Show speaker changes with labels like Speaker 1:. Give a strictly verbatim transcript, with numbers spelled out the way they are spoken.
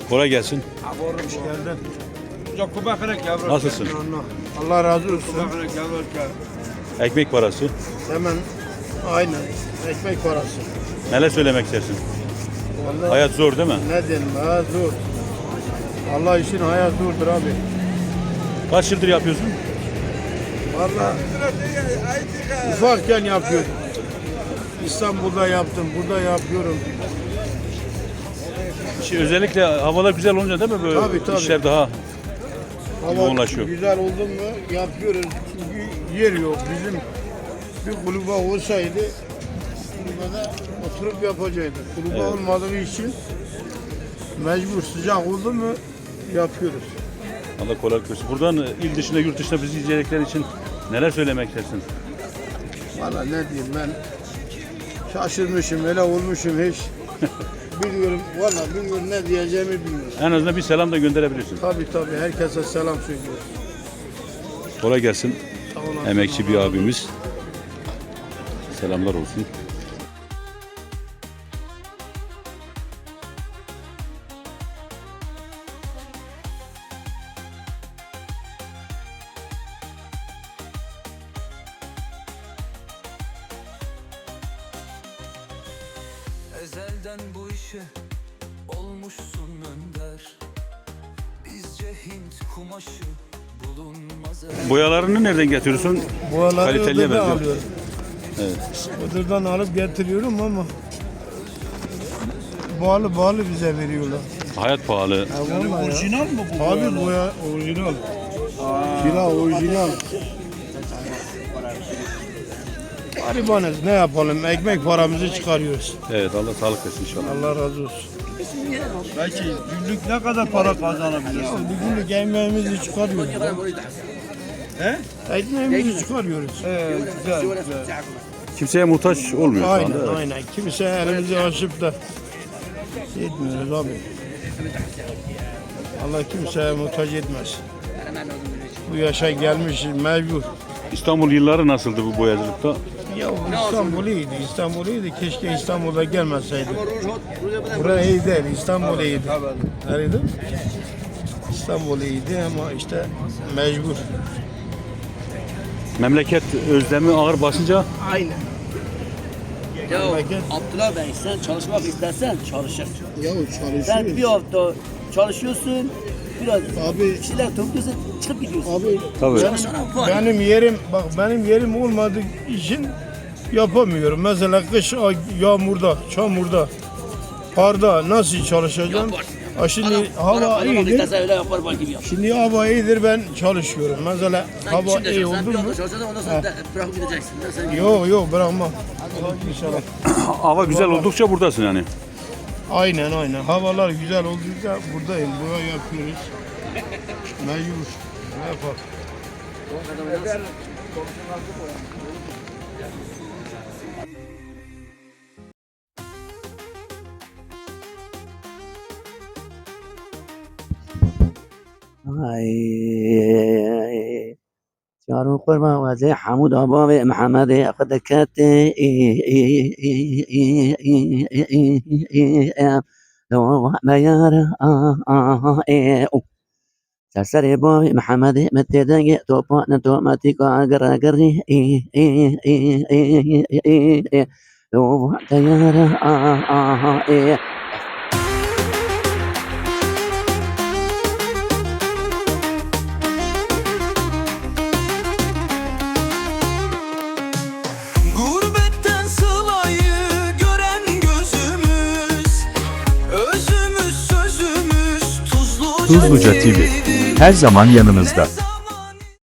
Speaker 1: Kolay gelsin.
Speaker 2: Hoş geldin.
Speaker 1: Nasılsın?
Speaker 2: Allah razı olsun.
Speaker 1: Ekmek parası.
Speaker 2: Hemen aynen ekmek parası.
Speaker 1: Neler söylemek istersin?
Speaker 2: Vallahi
Speaker 1: Hayat zor değil mi?
Speaker 2: ne diyelim, hayat zor. Allah için hayat zordur abi.
Speaker 1: Kaç yıldır yapıyorsun?
Speaker 2: Vallahi ufakken yapıyordum. İstanbul'da yaptım, burada yapıyorum.
Speaker 1: Şey, özellikle havalar güzel olunca değil mi böyle
Speaker 2: Tabii, tabii.
Speaker 1: işler daha
Speaker 2: Hava
Speaker 1: yoğunlaşıyor.
Speaker 2: güzel oldu mu yapıyoruz. Çünkü yer yok. Bizim bir kulübe olsaydı kulübede oturup yapacaktık. Kulübe
Speaker 1: Evet.
Speaker 2: olmadığı için mecbur sıcak oldu mu yapıyoruz.
Speaker 1: Allah kolaylık versin. Buradan il dışında yurt dışında bizi izleyecekler için neler söylemek istersin?
Speaker 2: Valla ne diyeyim ben şaşırmışım, öyle olmuşum hiç. Bilmiyorum, valla bilmiyorum ne diyeceğimi bilmiyorum.
Speaker 1: En azından bir selam da gönderebilirsin.
Speaker 2: Tabii tabii herkese selam söylüyorum.
Speaker 1: Kolay gelsin.
Speaker 2: Sağ olasın.
Speaker 1: Emekçi bir abimiz. Selamlar olsun.
Speaker 3: Ezelden bu işe olmuşsun önder. Bizce Hint kumaşı bulunmaz.
Speaker 1: Boyalarını nereden getiriyorsun?
Speaker 2: Buraları
Speaker 1: Kaliteliye
Speaker 2: Iğdır'dan
Speaker 1: benziyor.
Speaker 2: alıyorum.
Speaker 1: Evet.
Speaker 2: Iğdır'dan alıp getiriyorum ama bağlı bağlı bize veriyorlar.
Speaker 1: Hayat pahalı.
Speaker 2: Yani orijinal mı bu? Abi boya orijinal. Kira orijinal. Garibanız ne yapalım? Ekmek paramızı çıkarıyoruz.
Speaker 1: Evet, Allah sağlık versin inşallah.
Speaker 2: Allah razı olsun.
Speaker 4: Belki günlük ne kadar para kazanabilirsin?
Speaker 2: Bugünlük ekmeğimizi çıkarıyoruz.
Speaker 4: He?
Speaker 2: Ekmeğimizi çıkarıyoruz.
Speaker 4: Evet, güzel, güzel.
Speaker 1: Kimseye muhtaç olmuyor şu
Speaker 2: Aynen
Speaker 1: anda. Evet.
Speaker 2: aynen. Kimse elimizi açıp da etmiyoruz abi. Allah kimseye muhtaç etmez. Bu yaşa gelmişiz mecbur.
Speaker 1: İstanbul yılları nasıldı bu boyacılıkta?
Speaker 2: Ya İstanbul iyiydi, İstanbul iyiydi. Keşke İstanbul'a gelmeseydi. Burası iyi değil, İstanbul iyiydi. Nerede? İstanbul iyiydi ama işte mecbur.
Speaker 1: Memleket özlemi ağır basınca
Speaker 5: Aynen. Ya
Speaker 2: Memleket-
Speaker 5: Abdullah Bey sen çalışmak istersen çalışır.
Speaker 2: Ya
Speaker 5: Sen bir
Speaker 2: çalışıyoruz.
Speaker 5: hafta çalışıyorsun, biraz
Speaker 2: Abi-
Speaker 5: bir şeyler topluyorsun, çıkıp gidiyorsun.
Speaker 2: Abi
Speaker 1: tabii.
Speaker 2: benim,
Speaker 5: Çalışana var.
Speaker 2: benim yerim, bak benim yerim olmadığı için yapamıyorum. Mesela kış ay- yağmurda, çamurda, karda nasıl çalışacağım?
Speaker 5: Yapar.
Speaker 2: Ha şimdi
Speaker 5: Adam
Speaker 2: hava
Speaker 5: para kazanmak
Speaker 2: iyidir.
Speaker 5: isterse öyle yapar bak gibi yap.
Speaker 2: Şimdi hava iyidir ben çalışıyorum. Mesela
Speaker 5: Sen
Speaker 2: hava
Speaker 5: şimdi
Speaker 2: iyi
Speaker 5: çalışsan,
Speaker 2: oldu
Speaker 5: bir
Speaker 2: mu?
Speaker 5: hafta çalışacaksın, ondan sonra da bırakıp gideceksin. Ben sana-
Speaker 2: Yok yok bırakmam. İnşallah.
Speaker 1: hava güzel oldukça buradasın yani.
Speaker 2: Aynen aynen. Havalar güzel oldukça buradayım. Buraya yapıyoruz. Mecbur. Ne yapalım?
Speaker 5: Ay, Çarun kurma vaze Hamud Aba ve Muhammed Akadekat Mayara Sasare boy Muhammed Metedenge Topa Natomatika Agaragari Lo Tayara
Speaker 3: Gurbetten sılayı gören gözümüz, özümüz sözümüz tuzluca,
Speaker 6: Tuzluca T V her zaman yanınızda.